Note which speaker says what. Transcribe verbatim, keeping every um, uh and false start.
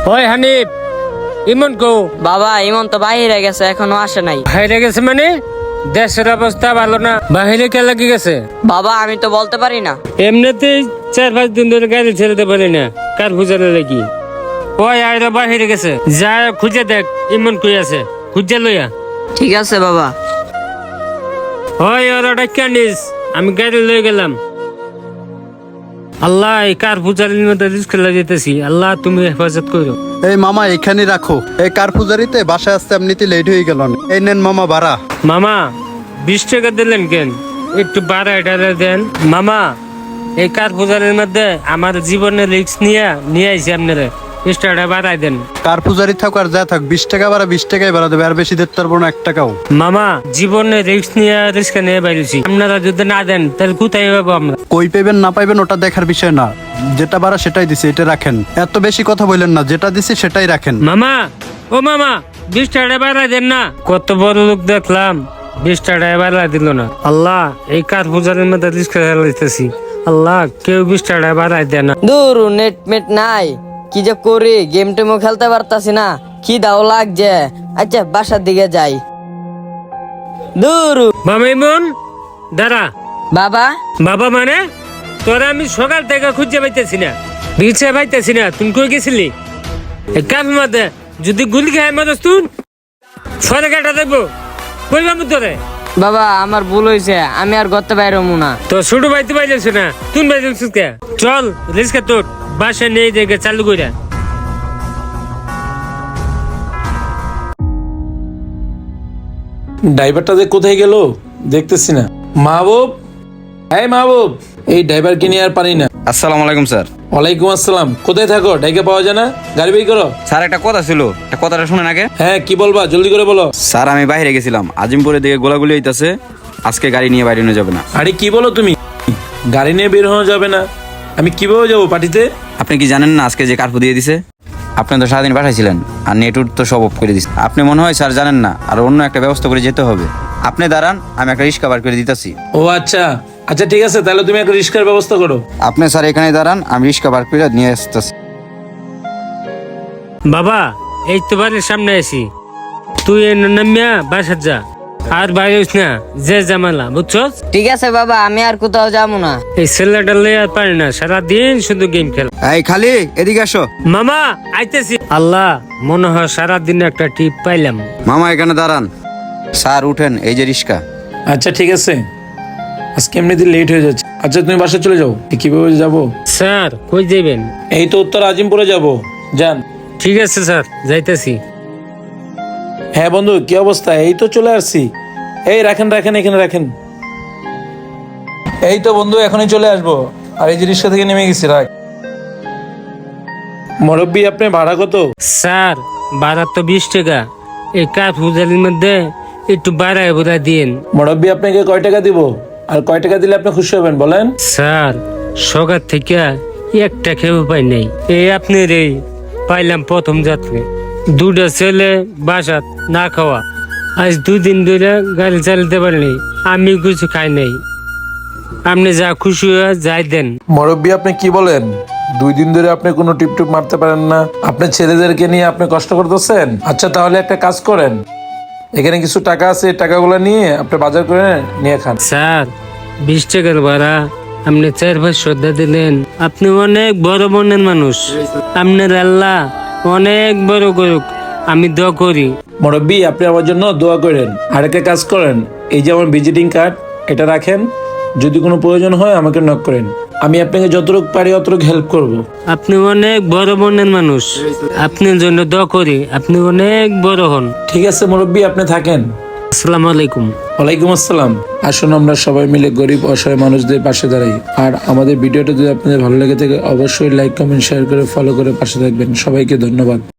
Speaker 1: ওই হানিফ, ইমন কো?
Speaker 2: বাবা ইমন তো বাইরে গেছে, এখনো আসে নাই।
Speaker 1: বাইরে গেছে মানে? দেশের অবস্থা ভালো না, বাহিরে কে লাগি গেছে?
Speaker 2: বাবা আমি তো বলতে পারি না।
Speaker 1: এমনিতেই চার পাঁচ দিন ধরে গাড়ি ছেড়ে পারি না, কার খুঁজালে লাগি। ওই আয়রা বাহিরে গেছে, যা খুঁজে দেখ ইমন কই আছে, খুঁজে লইয়া।
Speaker 2: ঠিক আছে বাবা।
Speaker 1: ওই ওরা ডাক্কা নিস, আমি গাড়ি লয়ে গেলাম। আল্লাহ, এই কার পূজারির মধ্যে রিস্ক যেতেছি, আল্লাহ তুমি হেফাজত করো।
Speaker 3: এই মামা এখানে রাখো, এই কার পূজারিতে বাসায় আসতে এমনিতে লেট হয়ে গেল। এই নেন মামা ভাড়া।
Speaker 1: মামা বিশ টাকা দিলেন কেন? একটু বাড়া এটা দেন মামা। এই কার পূজারির মধ্যে আমার জীবনের রিস্ক নিয়ে নিয়ে আইসি, আপনারা বিশ টাকা বাড়াই দেন।
Speaker 3: কার পূজারি থাক আর যা থাক, বিশ টাকা ভাড়া বিশ টাকাই ভাড়া দেবে, আর বেশি দিতে পারবো না এক টাকাও।
Speaker 1: মামা জীবনের রিস্ক নিয়ে রিস্ক নিয়ে বাইরেছি, আপনারা যদি না দেন তাহলে কোথায় পাবো আমরা?
Speaker 3: কই পাইবেন না পাইবেন ওটা দেখার বিষয় না, যেটা ভাড়া সেটাই দিছি, এটা রাখেন। এত বেশি কথা বললেন না, যেটা দিছি সেটাই রাখেন।
Speaker 1: মামা, ও মামা, বিশ টাকা বাড়াই দেন না। কত বড় লোক দেখলাম, বিশ টাকা বাড়াই দিল না। আল্লাহ, এই কার পূজারের মধ্যে রিস্ক চালাইতেছি, আল্লাহ কেউ বিশ টাকা বাড়াই দেয় না।
Speaker 2: দূর নেট মেট নাই, কি যে করি, গেম টেমও খেলতে পারতাছি না, কি দাও লাগছে। আচ্ছা বাসার দিকে যাই। দূর
Speaker 1: মামা ইমন দাঁড়া।
Speaker 2: বাবা
Speaker 1: বাবা মানে তোরা আমি সকাল থেকে খুঁজে পাইতেছি না, বিছে পাইতেছি না, তুমি কই গেছিলি? কাজ মধ্যে যদি গুলি খায় মারস তুই সরে কাটা দেবো, কইবা মু তোরে।
Speaker 2: বাবা আমার ভুল হয়েছে, আমি আর করতে পারবো না।
Speaker 1: তো ছোট বাইতে পাইলেছ না, তুই বাইতেছিস কে? চল রিস্কা তোর বাসা নিয়ে দেখে চালু কইরা।
Speaker 4: ড্রাইভারটা যে কোথায় গেল দেখতেছি না। মাহবুব, এই মাহবুব, এই ড্রাইভারকে নিয়ে আর পারি না।
Speaker 5: আসসালামু আলাইকুম স্যার।
Speaker 4: ওয়ালাইকুম আসসালাম। কোথায় থাকো? ডাইকে পাওয়া যায় না? গাড়ি বের করো।
Speaker 5: স্যার একটা কথা ছিল, একটা কথাটা শুনেন আগে।
Speaker 4: হ্যাঁ কি বলবা, জলদি করে বলো।
Speaker 5: স্যার আমি বাইরে গেছিলাম, আজিমপুরের দিকে গোলাগুলি হইতাছে, আজকে গাড়ি নিয়ে বাইরে নিয়ে যাবে না।
Speaker 4: আরে কি বলো তুমি, গাড়ি নিয়ে বের হওয়া যাবে না? আমি কিভাবে যাবো পার্টিতে?
Speaker 5: আপনি কি জানেন না আজকে যে কার্ফু দিয়ে দিছে? আপনি তো সারাদিন পাঠাইছিলেন, আর নেটওয়ার্ক তো সব অফ করে দিচ্ছে। আপনি মনে হয় স্যার জানেন না, আর অন্য একটা ব্যবস্থা করে যেতে হবে। আপনি দাঁড়ান, আমি একটা রিক্সা বার করে দিতেছি।
Speaker 4: ও আচ্ছা আচ্ছা ঠিক আছে, তাহলে তুমি একটা রিস্কার ব্যবস্থা করো।
Speaker 5: আপনি স্যার এখানে দাঁড়ান, আমি রিক্সা বার করে নিয়ে আসতেছি।
Speaker 1: বাবা এই তো বাড়ির সামনে আছি, তুই নামিয়া বাসার যা, আর বাইরে না যে জামালা, বুঝছস?
Speaker 2: ঠিক আছে বাবা, আমি আর কোথাও যাবো না।
Speaker 1: এই ছেলেটা লইয়া আর পারি না, সারাদিন শুধু গেম খেল।
Speaker 5: এই খালি এদিকে আসো।
Speaker 1: মামা আইতেছি। আল্লাহ, মনে হয় সারাদিন একটা টিপ পাইলাম।
Speaker 5: মামা এখানে দাঁড়ান। স্যার উঠেন, এই যে রিক্সা।
Speaker 4: আচ্ছা ঠিক আছে, আজকে এমনিতে লেট হয়ে যাচ্ছে। আচ্ছা তুমি বাসা চলে যাও। কিভাবে যাবো?
Speaker 1: স্যার কই যাবেন?
Speaker 4: এই তো উত্তর আজিমপুরে যাবো, যান।
Speaker 1: ঠিক আছে স্যার, যাইতেছি।
Speaker 4: হ্যাঁ বন্ধু, কি অবস্থা? এই তো চলে আসছি। এই রাখেন রাখেন, এখানে রাখেন। এই তো বন্ধু এখনই চলে আসবো। আর এই যে রিক্সা থেকে নেমে গেছি, রাখ। মুরব্বি আপনি ভাড়া কত?
Speaker 1: স্যার ভাড়া তো বিশ টাকা, এই কার পূজারির মধ্যে একটু বাড়ায় বোঝা দিন।
Speaker 4: মুরব্বি আপনাকে কয় টাকা দিব? আর কয় টাকা দিলে আপনি খুশি হবেন বলেন?
Speaker 1: স্যার সকাল থেকে একটা খেয়ে পাই নাই, এই আপনি রে পাইলাম প্রথম যাত্রে। দুটা ছেলে বাসাত না খাওয়া, আজ দুই দিন ধরে গাড়ি চালাতে পারিনি, আমি কিছু খাই নাই। আপনি যা খুশি হয়ে যাই দেন।
Speaker 4: মুরব্বি আপনি কি বলেন? দুই দিন ধরে আপনি কোনো টিপ টিপ মারতে পারেন না, আপনার ছেলেদেরকে নিয়ে আপনি কষ্ট করতেছেন। আচ্ছা তাহলে একটা কাজ করেন, এখানে কিছু টাকা আছে, টাকাগুলো নিয়ে আপনি বাজার করে নিয়ে খান।
Speaker 1: স্যার বিশ টাকার ভাড়া আপনি চার পাঁচ শ্রদ্ধা দিলেন, আপনি অনেক বড় মনের মানুষ, আপনার আল্লাহ অনেক বড় করুক, আমি দোয়া করি।
Speaker 4: মুরব্বি আপনি আমার জন্য দোয়া করেন। আর একটা কাজ করেন, এই যে আমার ভিজিটিং কার্ড, এটা রাখেন, যদি কোনো প্রয়োজন হয় আমাকে নক করেন, আমি আপনাকে যতটুকু পারি অতটুকু হেল্প করব।
Speaker 1: আপনি অনেক বড় মনের মানুষ, আপনার জন্য দোয়া করি, আপনি অনেক বড় হন।
Speaker 4: ঠিক আছে মুরব্বি, আপনি থাকেন।
Speaker 1: আসসালামু আলাইকুম।
Speaker 4: ওয়ালাইকুম আসসালাম। আসুন আমরা সবাই মিলে গরিব অসহায় মানুষদের পাশে দাঁড়াই। আর আমাদের ভিডিওটা যদি আপনাদের ভালো লেগে থাকে অবশ্যই লাইক কমেন্ট শেয়ার করে ফলো করে পাশে থাকবেন। সবাইকে ধন্যবাদ।